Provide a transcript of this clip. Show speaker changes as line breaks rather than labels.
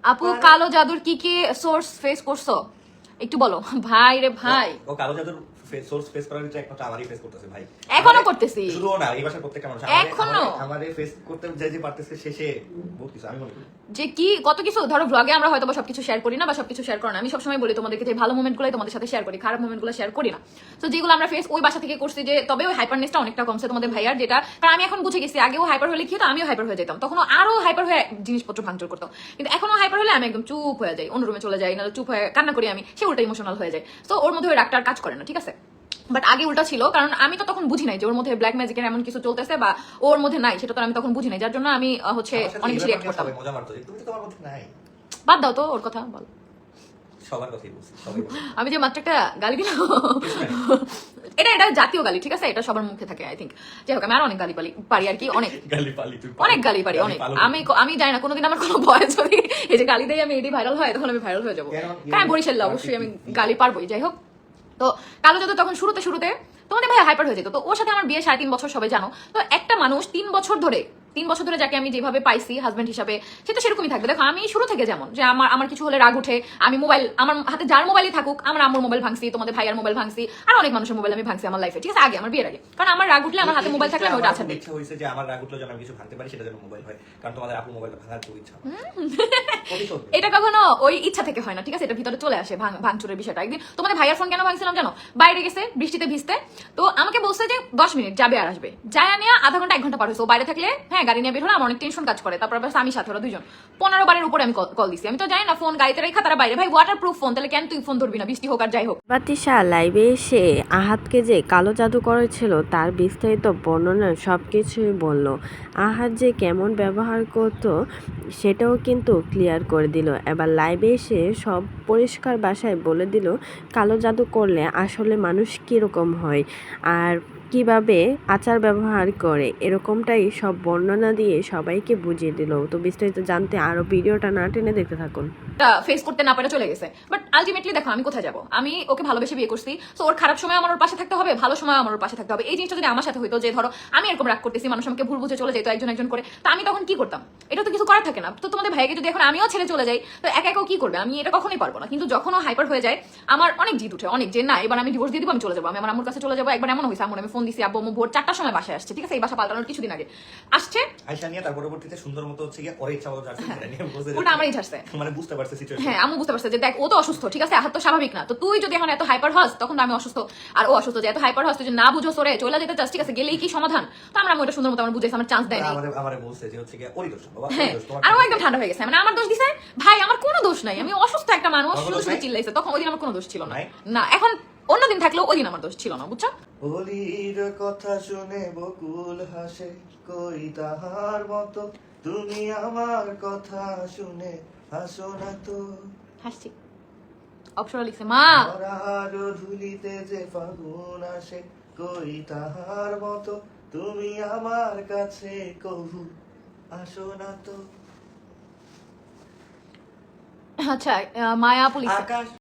আপু কালো জাদুর কি কি সোর্স ফেস করছো একটু বলো। ভাই রে ভাই,
ও কালো জাদুর সোর্স ফেস করার ভিতরে একমাত্র আমারই ফেস করতেছে ভাই,
এখনো করতেছি।
শুধু না, এই ভাষার প্রত্যেকটা মানুষ
এখনো
আমাদের ফেস করতে যে পারতেছে শেষে বহুত কিছু আমি মনে করি
যে কি কত কিছু। ধরো ব্লগে আমরা হয়তো সবকিছু শেয়ার করি না বা সবকিছু শেয়ার করি না। আমি সবসময় বলি তোমাদেরকে যে ভালো মোমেন্টগুলোই তোমাদের সাথে শেয়ার করি, খারাপ মোমেন্টগুলো শেয়ার করি না। তো যেগুলো আমরা ফেস ওই বাসা থেকে করছি, যে তবে ওই হাইপারনেসটা অনেকটা কমছে তোমাদের ভাইয়ার, যেটা কারণ আমি এখন বুঝে গেছি আগেও হাইপার হলে কি হতো, আমিও হাইপার হয়ে যেতাম, তখন আরো হাইপার হয়ে জিনিসপত্র ভাঙচুর করতো। কিন্তু এখনো হাইপার হলে আমি একদম চুপ হয়ে যাই, অন্য রুমে চলে যাই, না চুপ হয়ে কান্না করি, আমি সে উল্টা ইমোশনাল হয়ে যায়। তো ওর মধ্যে ওই রাগটা কাজ করে না, ঠিক আছে। বাট আগে উল্টা ছিল, কারণ আমি তো তখন বুঝি নাই যে ওর মধ্যে ব্ল্যাক ম্যাজিকের এমন কিছু চলতেছে বা ওর মধ্যে নাই, সেটা তো আমি তখন বুঝি নাই, যার জন্য আমি হচ্ছে অনেক বেশি রিঅ্যাক্ট করতাম।
মজা মারতো যে তুমি তো তোমার মধ্যে নাই।
বাদ দাও তো ওর কথা, বল।
সবার কথাই বলছি, সবাই বলছে।
আমি যে মাত্র একটা গালি দিলাম, এটা জাতীয় গালি, ঠিক আছে, এটা সবার মুখে থাকে আই থিঙ্ক। যাই হোক, আমি আর অনেক গালি পারি আর কি, অনেক অনেক গালি পারি অনেক। আমি জানি না কোনোদিন আমার কোনো ভয়েস যদি এই যে গালি দেয় আমি এটি ভাইরাল হয়, তখন আমি ভাইরাল হয়ে যাবো। হ্যাঁ বরিশাল অবশ্যই আমি গালি পারবোই। যাই হোক, তো কালো জাদু তখন শুরুতে তোমাদের ভাই হাইপার হয়ে যেত। তো ওর সাথে আমার বিয়ে 3.5 বছর, সবাই জানো। তো একটা মানুষ 3 বছর ধরে যাকে আমি যেভাবে পাইছি হাজবেন্ড হিসাবে, সে তো সেরকমই থাকবে। দেখো আমি শুরু থেকে যেমন, যে আমার কিছু হলে রাগ উঠে, আমি মোবাইল, আমার হাতে যার মোবাইলই থাকুক, আমার আম্মুর মোবাইল ভাঙছি, তোমাদের ভাইয়ার মোবাইল ভাঙছি, আর অনেক মানুষের মোবাইল আমি ভাঙছি আমার লাইফে, ঠিক আছে, আগে আমার বিয়ের আগে। কারণ আমার রাগ উঠলে আমার হাতে মোবাইল থাকলে আমি ওটা আছাড় দিই।
ইচ্ছা হইছে যে আমার রাগ উঠলে যেন আমি কিছু ভাঙতে পারি, সেটা যেন মোবাইল হয়, কারণ তোমাদের আপু মোবাইলটা ভাঙার খুব ইচ্ছা।
এটা কখনো ওই ইচ্ছা থেকে হয় না, ঠিক আছে, এটা ভিতরে চলে আসে ভাঙচুরের বিষয়টা। একদিন তোমাদের ভাইয়ার ফোন কেন ভাঙছিলাম জানো? বাইরে গেছে বৃষ্টিতে ভিজতে, তো আমাকে বলছে যে 10 মিনিট যাবে আর আসবে, যায় নিয়ে আধা ঘন্টা 1 ঘন্টা পার হয়েছে। ও বাইরে থাকলে হ্যাঁ গাড়ি নিয়ে বের হলে আমার অনেক টেনশন কাজ করে। তারপর আমি সাথে ওরা 2জন 15 বারের উপরে আমি কল দিছি। আমি তো জানি না ফোন গাড়িতে রেখা তারা বাইরে, ভাই ওয়াটার প্রুফ ফোন, তাহলে কেন তুই ফোন ধরবি না, বৃষ্টি হোক আর যাই হোক।
বাতিশা লাইভে এসে আহাতকে যে কালো জাদু করেছিল তার বিস্তারিত বর্ণনা সব কিছুই বলল। আহাত যে কেমন ব্যবহার করত সেটাও কিন্তু ক্লিয়ার করে দিল। এবার লাইভে এসে সব পরিষ্কার ভাষায় বলে দিল কালো জাদু করলে আসলে মানুষ কীরকম হয় আর কিভাবে আচার ব্যবহার করে, এরকমটাই সব বর্ণনা দিয়ে সবাইকে বুঝিয়ে দিল। তো বিস্তারিত জানতে আরও ভিডিওটা না টেনে দেখতে থাকুন।
ফেস করতে না পারে চলে গেছে, বাট আলটিমেটলি দেখো আমি কোথায় যাবো, আমি ওকে ভালোবেসে বিয়ে করছি। তো ওর খারাপ সময় আমার ওর পাশে থাকতে হবে, ভালো সময় আমার ওর পাশে থাকতে হবে। এই জিনিসটা যদি আমার সাথে হইতো, যে ধরো আমি এরকম রাগ করতেছি, মানুষ আমাকে ভুল বুঝে চলে যেত একজন করে, তো আমি তখন কি করতাম? এটা তো কিছু করার থাকে না। তো তোমাদের ভাইকে যদি এখন আমিও ছেড়ে চলে যাই, তো একা কি করবে? আমি এটা কখনোই পারবো না। কিন্তু যখন ও হাইপার হয়ে যায়, আমার অনেক জিদ উঠে, অনেক, যে না এবার আমি ডিভোর্স দিয়ে দিব, আমি চলে যাবো, আমি আমার আম্মুর কাছে চলে যাবো। একবার এমন হয়েছে, আমি ফোন দিছি, আব্বু ভোর 4টার সময় বাসায় আসছে, ঠিক আছে, এই বাসা পাল্টানোর কিছুদিন আগে আসছে,
আয়শা নিয়ে তার পরবর্তীতে সুন্দর মতো হচ্ছে গিয়ে ওর ইচ্ছা মতো যাচ্ছে, সেটা নিয়ে বলছে
ওটা আমারই ছাড়ছে।
মানে বুঝতে পারছে সিচুয়েশন।
হ্যাঁ আম্মু বুঝতে পারছে যে দেখ ও তো অসুস্থ, ঠিক আছে, আহাত তো স্বাভাবিক না। তো তুই যদি এখন এত হাইপার হস, তখন তো আমি অসুস্থ আর ও অসুস্থ, যে এত হাইপার হস, তুই যে না বুঝো সরে চলে যেতে চাস, ঠিক আছে, গেলেই কি সমাধান? তো আমরা ওটা সুন্দর মতো আমার বুঝাইছি, আমার চান্স দেয় না।
আমারে বলছে যে হচ্ছে গিয়ে ওরই দোষ বাবা,
হ্যাঁ,
ওরই দোষ তোমার।
আর ও একদম ঠান্ডা হয়ে গেছে, মানে আমার দোষ দিছে। ভাই আমার কোনো দোষ নাই, আমি অসুস্থ একটা মানুষ, শুধু শুধু চিল্লাইছে। তখন ওই দিন আমার কোনো দোষ ছিল না। না এখন অন্যদিন থাকলেও ওই দিন আমার দোষ ছিল না, বুঝছো?
বলির কথা শুনে বকুল হাসে, কই তাহার মতো তুমি আমার কথা শুনে হাসো না তো।
হাসছি। অপসরা লিখছে মা,
আর ধুলিতে যে ফাগুন আসে, কই তাহার মতো তুমি আমার কাছে কহু আসো না তো।
আচ্ছা মায়া পুলিশ
আকাশ